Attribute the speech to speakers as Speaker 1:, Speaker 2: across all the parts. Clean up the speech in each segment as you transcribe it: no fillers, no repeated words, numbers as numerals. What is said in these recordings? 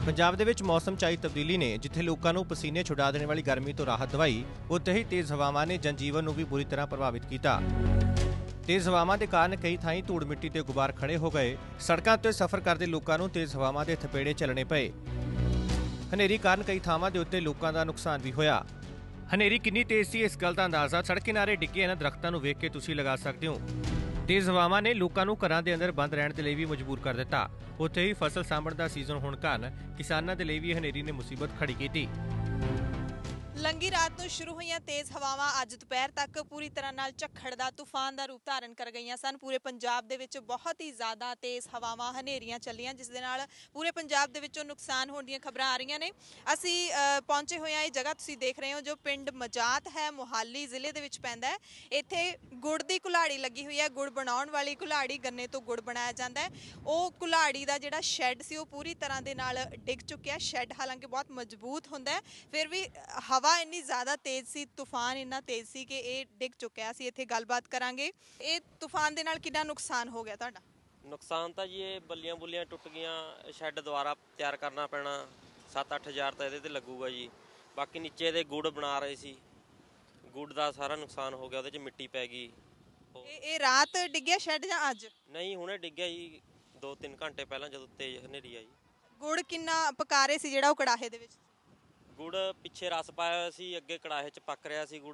Speaker 1: ਪੰਜਾਬ ਦੇ ਵਿੱਚ ਮੌਸਮ 'ਚ ਆਈ ਤਬਦੀਲੀ ਨੇ ਜਿੱਥੇ ਲੋਕਾਂ ਨੂੰ ਪਸੀਨੇ ਛੁਡਾ ਦੇਣ ਵਾਲੀ ਗਰਮੀ ਤੋਂ ਰਾਹਤ ਦਵਾਈ, ਉੱਥੇ ਹੀ ਤੇਜ਼ ਹਵਾਵਾਂ ਨੇ ਜਨਜੀਵਨ ਨੂੰ ਵੀ ਬੁਰੀ ਤਰ੍ਹਾਂ ਪ੍ਰਭਾਵਿਤ ਕੀਤਾ। ਤੇਜ਼ ਹਵਾਵਾਂ ਦੇ ਕਾਰਨ ਕਈ ਥਾਈਂ ਧੂੜ ਮਿੱਟੀ ਤੇ ਗੁਬਾਰ ਖੜੇ ਹੋ ਗਏ। ਸੜਕਾਂ 'ਤੇ ਸਫ਼ਰ ਕਰਦੇ ਲੋਕਾਂ ਨੂੰ ਤੇਜ਼ ਹਵਾਵਾਂ ਦੇ ਥਪੇੜੇ ਚੱਲਣੇ ਪਏ। ਹਨੇਰੀ ਕਾਰਨ ਕਈ ਥਾਵਾਂ ਦੇ ਉੱਤੇ ਲੋਕਾਂ ਦਾ ਨੁਕਸਾਨ ਵੀ ਹੋਇਆ। ਹਨੇਰੀ ਕਿੰਨੀ ਤੇਜ਼ ਸੀ, ਇਸ ਗੱਲ ਦਾ ਅੰਦਾਜ਼ਾ ਸੜਕ ਕਿਨਾਰੇ ਡਿੱਗੇ ਇਹਨਾਂ ਦਰਖਤਾਂ ਨੂੰ ਵੇਖ ਕੇ ਤੁਸੀਂ ਲਗਾ ਸਕਦੇ ਹੋ। ਤੇਜ਼ ਹਵਾਵਾਂ ਨੇ ਲੋਕਾਂ ਨੂੰ ਘਰਾਂ ਦੇ ਅੰਦਰ ਬੰਦ ਰਹਿਣ ਦੇ ਲਈ ਵੀ ਮਜਬੂਰ ਕਰ ਦਿੱਤਾ। ਉੱਥੇ ਹੀ ਫਸਲ ਸਾਂਭਣ ਦਾ ਸੀਜ਼ਨ ਹੋਣ ਕਾਰਨ ਕਿਸਾਨਾਂ ਦੇ ਲਈ ਵੀ ਹਨੇਰੀ ਨੇ ਮੁਸੀਬਤ ਖੜੀ ਕੀਤੀ।
Speaker 2: ਲੰਗੀ ਰਾਤ ਤੋਂ ਸ਼ੁਰੂ ਹੋਈਆਂ ਤੇਜ਼ ਹਵਾਵਾਂ ਅੱਜ ਦੁਪਹਿਰ ਤੱਕ ਪੂਰੀ ਤਰ੍ਹਾਂ ਨਾਲ ਝੱਖੜ ਦਾ ਤੂਫਾਨ ਦਾ ਰੂਪ ਧਾਰਨ ਕਰ ਗਈਆਂ ਸਨ। ਪੂਰੇ ਪੰਜਾਬ ਦੇ ਵਿੱਚ ਬਹੁਤ ਹੀ ਜ਼ਿਆਦਾ ਤੇਜ਼ ਹਵਾਵਾਂ ਹਨੇਰੀਆਂ ਚੱਲੀਆਂ, ਜਿਸ ਦੇ ਨਾਲ ਪੂਰੇ ਪੰਜਾਬ ਦੇ ਵਿੱਚੋਂ ਨੁਕਸਾਨ ਹੋਣ ਦੀਆਂ ਖਬਰਾਂ ਆ ਰਹੀਆਂ ਨੇ। ਅਸੀਂ ਪਹੁੰਚੇ ਹੋਏ ਹਾਂ ਇਹ ਜਗ੍ਹਾ ਤੁਸੀਂ ਦੇਖ ਰਹੇ ਹੋ ਜੋ ਪਿੰਡ ਮਜਾਤ ਹੈ, ਮੋਹਾਲੀ ਜ਼ਿਲ੍ਹੇ ਦੇ ਵਿੱਚ ਪੈਂਦਾ ਹੈ। ਇੱਥੇ ਗੁੜ ਦੀ ਕੁਲਾੜੀ ਲੱਗੀ ਹੋਈ ਹੈ। ਗੁੜ ਬਣਾਉਣ ਵਾਲੀ ਕੁਲਾੜੀ, ਗੰਨੇ ਤੋਂ ਗੁੜ ਬਣਾਇਆ ਜਾਂਦਾ ਹੈ। ਉਹ ਕੁਲਾੜੀ ਦਾ ਜਿਹੜਾ ਸ਼ੈੱਡ ਸੀ ਉਹ ਪੂਰੀ ਤਰ੍ਹਾਂ ਦੇ ਨਾਲ ਡਿੱਗ ਚੁੱਕਿਆ। ਸ਼ੈੱਡ ਹਾਲਾਂਕਿ ਬਹੁਤ ਮਜ਼ਬੂਤ ਹੁੰਦਾ ਹੈ, ਫਿਰ ਵੀ ਹਵਾ ਇੰਨੀ ਜ਼ਿਆਦਾ ਤੇਜ਼ ਸੀ, ਤੂਫਾਨ ਇੰਨਾ ਤੇਜ਼ ਸੀ ਕਿ ਇਹ ਡਿੱਗ ਚੁੱਕਿਆ। ਅਸੀਂ ਇੱਥੇ ਗੱਲਬਾਤ ਕਰਾਂਗੇ। ਇਹ ਤੂਫਾਨ ਦੇ ਨਾਲ ਕਿੰਨਾ ਨੁਕਸਾਨ ਹੋ ਗਿਆ ਤੁਹਾਡਾ?
Speaker 3: ਨੁਕਸਾਨ ਤਾਂ ਜੀ ਇਹ ਬੱਲੀਆਂ ਬੁੱਲੀਆਂ ਟੁੱਟ ਗਈਆਂ। ਸ਼ੈੱਡ ਦੁਬਾਰਾ ਤਿਆਰ ਕਰਨਾ ਪੈਣਾ। 7-8 ਹਜ਼ਾਰ ਤਾਂ ਇਹਦੇ ਤੇ ਲੱਗੂਗਾ ਜੀ। ਬਾਕੀ ਨੀਚੇ ਦੇ ਗੁੜ ਬਣਾ ਰਹੇ ਸੀ, ਗੁੜ ਦਾ ਸਾਰਾ ਨੁਕਸਾਨ ਹੋ ਗਿਆ। ਉਹਦੇ 'ਚ ਮਿੱਟੀ ਪੈ ਗਈ।
Speaker 2: ਇਹ ਰਾਤ ਡਿੱਗਿਆ ਸ਼ੈੱਡ ਜਾਂ ਅੱਜ?
Speaker 3: ਨਹੀਂ, ਹੁਣੇ ਡਿੱਗਿਆ ਜੀ 2-3 ਘੰਟੇ ਪਹਿਲਾਂ ਜਦੋਂ ਤੇਜ਼ ਹਨੇਰੀ ਆਈ।
Speaker 2: ਗੁੜ ਕਿੰਨਾ ਪਕਾ ਰਹੇ ਸੀ ਜਿਹੜਾ ਉਹ ਕੜਾਹੇ ਦੇ ਵਿੱਚ?
Speaker 3: ਗੁੜ ਪਿੱਛੇ ਰਸ ਪਾਇਆ ਹੋਇਆ ਸੀ, ਅੱਗੇ ਕੜਾਹੇ 'ਚ ਪੱਕ ਰਿਹਾ ਸੀ। ਗੁੜ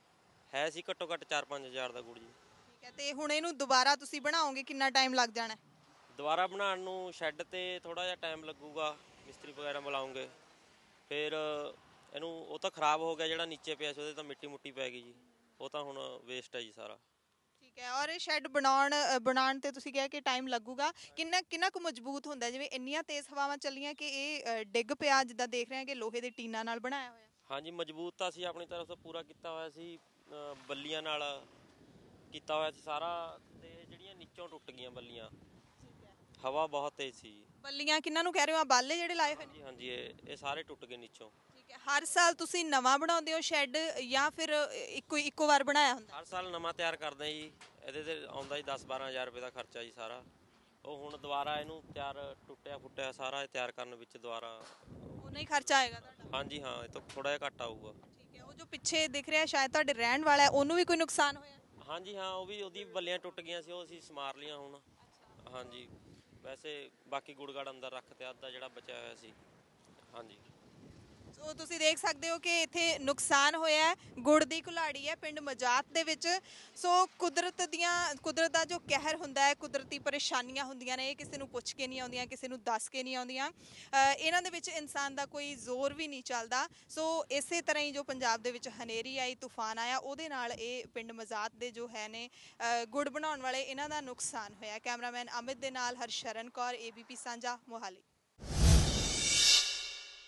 Speaker 3: ਹੈ ਸੀ ਘੱਟੋ ਘੱਟ 4-5 ਹਜ਼ਾਰ ਦਾ ਗੁੜ ਜੀ।
Speaker 2: ਠੀਕ ਹੈ, ਤੇ ਹੁਣ ਇਹਨੂੰ ਦੁਬਾਰਾ ਤੁਸੀਂ ਬਣਾਓਗੇ, ਕਿੰਨਾ ਟਾਈਮ ਲੱਗ ਜਾਣਾ?
Speaker 3: ਦੁਬਾਰਾ ਬਣਾਉਣ ਨੂੰ ਸ਼ੈੱਡ ਤੇ ਥੋੜਾ ਜਿਹਾ ਟਾਈਮ ਲੱਗੂਗਾ, ਮਿਸਤਰੀ ਵਗੈਰਾ ਬੁਲਾਉਂਗੇ। ਫਿਰ ਇਹਨੂੰ ਉਹ ਤਾਂ ਖਰਾਬ ਹੋ ਗਿਆ, ਜਿਹੜਾ ਨੀਚੇ ਪਿਆ ਸੀ ਉਹਦੇ ਤਾਂ ਮਿੱਟੀ ਮੁੱਟੀ ਪੈ ਗਈ ਜੀ। ਉਹ ਤਾਂ ਹੁਣ ਵੇਸਟ ਹੈ ਜੀ ਸਾਰਾ। ਠੀਕ
Speaker 2: ਹੈ, ਔਰ ਇਹ ਸ਼ੈੱਡ ਬਣਾਉਣ ਤੇ ਤੁਸੀਂ ਕਿਹਾ ਕਿ ਟਾਈਮ ਲੱਗੂਗਾ। ਕਿੰਨਾ ਕੁ ਮਜ਼ਬੂਤ ਹੁੰਦਾ? ਜਿਵੇਂ ਇੰਨੀਆਂ ਤੇਜ਼ ਹਵਾਵਾਂ ਚੱਲੀਆਂ ਕਿ ਇਹ ਡਿੱਗ ਪਿਆ, ਜਿੱਦਾਂ ਦੇਖ ਰਹੇ ਹਾਂ ਕਿ ਲੋਹੇ ਦੇ ਟੀਨਾਂ ਨਾਲ ਬਣਾਇਆ ਹੋਇਆ।
Speaker 3: ਹਾਂਜੀ, ਮਜ਼ਬੂਤ ਤਾਂ ਅਸੀਂ ਆਪਣੀ ਤਰਫ ਤੋਂ ਪੂਰਾ ਕੀਤਾ ਹੋਇਆ ਸੀ, ਬੱਲੀਆਂ ਨਾਲ ਕੀਤਾ ਹੋਇਆ ਸੀ ਸਾਰਾ। ਤੇ ਜਿਹੜੀਆਂ ਨੀਚੋਂ ਟੁੱਟ ਗਈਆਂ ਬੱਲੀਆਂ, ਹਵਾ ਬਹੁਤ ਤੇਜ਼ ਸੀ।
Speaker 2: ਬੱਲੀਆਂ ਕਿੰਨਾਂ ਨੂੰ ਕਹਿ ਰਹੇ ਹੋ? ਬਾਲੇ ਜਿਹੜੇ ਲਾਏ ਹੋਏ ਨੇ?
Speaker 3: ਹਾਂਜੀ, ਇਹ ਸਾਰੇ ਟੁੱਟ ਗਏ ਨੀਚੋਂ।
Speaker 2: ਠੀਕ ਹੈ, ਹਰ ਸਾਲ ਤੁਸੀਂ ਨਵਾਂ ਬਣਾਉਂਦੇ ਹੋ ਸ਼ੈੱਡ ਜਾਂ ਫਿਰ ਇੱਕੋ ਵਾਰ ਬਣਾਇਆ ਹੁੰਦਾ?
Speaker 3: ਹਰ ਸਾਲ ਨਵਾਂ ਤਿਆਰ ਕਰਦੇ ਜੀ। ਇਹਦੇ ਤੇ ਆਉਂਦਾ ਜੀ 10-12 ਹਜ਼ਾਰ ਰੁਪਏ ਦਾ ਖਰਚਾ ਜੀ ਸਾਰਾ। ਉਹ ਹੁਣ ਦੁਬਾਰਾ ਇਹਨੂੰ ਟੁੱਟਿਆ ਫੁੱਟਿਆ ਸਾਰਾ ਤਿਆਰ ਕਰਨ ਵਿੱਚ ਦੁਬਾਰਾ
Speaker 2: ਉਨਾ ਹੀ ਖਰਚਾ ਆਏਗਾ ਤੁਹਾਡਾ?
Speaker 3: ਹਾਂਜੀ ਹਾਂ, ਇਹ ਤੋਂ ਥੋੜਾ ਜਿਹਾ ਘੱਟ ਆਊਗਾ।
Speaker 2: ਠੀਕ ਹੈ, ਉਹ ਜੋ ਪਿੱਛੇ ਦਿਖ ਰਿਹਾ ਸ਼ਾਇਦ ਤੁਹਾਡੇ ਰਹਿਣ ਵਾਲਾ ਹੈ, ਉਹਨੂੰ ਵੀ ਕੋਈ ਨੁਕਸਾਨ ਹੋਇਆ?
Speaker 3: ਹਾਂਜੀ ਹਾਂ, ਉਹਦੀ ਬੱਲੀਆਂ ਟੁੱਟ ਗਈਆਂ ਸੀ, ਉਹ ਅਸੀਂ ਸਮਾਰ ਲਈਆਂ ਹੁਣ। ਹਾਂਜੀ, ਵੈਸੇ ਬਾਕੀ ਗੁੜਗੜ ਅੰਦਰ ਰੱਖਤੇ, ਅੱਧਾ ਜਿਹੜਾ ਬਚਿਆ ਹੋਇਆ ਸੀ। ਹਾਂਜੀ,
Speaker 2: ਸੋ ਤੁਸੀਂ ਦੇਖ ਸਕਦੇ ਹੋ ਕਿ ਇੱਥੇ ਨੁਕਸਾਨ ਹੋਇਆ ਹੈ। ਗੁੜ ਦੀ ਕੁਲਾੜੀ ਹੈ ਪਿੰਡ ਮਜਾਤ ਦੇ ਵਿੱਚ। ਸੋ ਕੁਦਰਤ ਦਾ ਜੋ ਕਹਿਰ ਹੁੰਦਾ ਹੈ, ਕੁਦਰਤੀ ਪਰੇਸ਼ਾਨੀਆਂ ਹੁੰਦੀਆਂ ਨੇ, ਇਹ ਕਿਸੇ ਨੂੰ ਪੁੱਛ ਕੇ ਨਹੀਂ ਆਉਂਦੀਆਂ, ਕਿਸੇ ਨੂੰ ਦੱਸ ਕੇ ਨਹੀਂ ਆਉਂਦੀਆਂ। ਇਹਨਾਂ ਦੇ ਵਿੱਚ ਇਨਸਾਨ ਦਾ ਕੋਈ ਜ਼ੋਰ ਵੀ ਨਹੀਂ ਚੱਲਦਾ। ਸੋ ਇਸੇ ਤਰ੍ਹਾਂ ਹੀ ਜੋ ਪੰਜਾਬ ਦੇ ਵਿੱਚ ਹਨੇਰੀ ਆਈ, ਤੂਫਾਨ ਆਇਆ, ਉਹਦੇ ਨਾਲ ਇਹ ਪਿੰਡ ਮਜਾਤ ਦੇ ਜੋ ਹੈ ਨੇ ਗੁੜ ਬਣਾਉਣ ਵਾਲੇ, ਇਹਨਾਂ ਦਾ ਨੁਕਸਾਨ ਹੋਇਆ। ਕੈਮਰਾਮੈਨ ਅਮਿਤ ਦੇ ਨਾਲ ਹਰਸ਼ਰਨ ਕੌਰ, ABP ਸਾਂਝਾ, ਮੋਹਾਲੀ।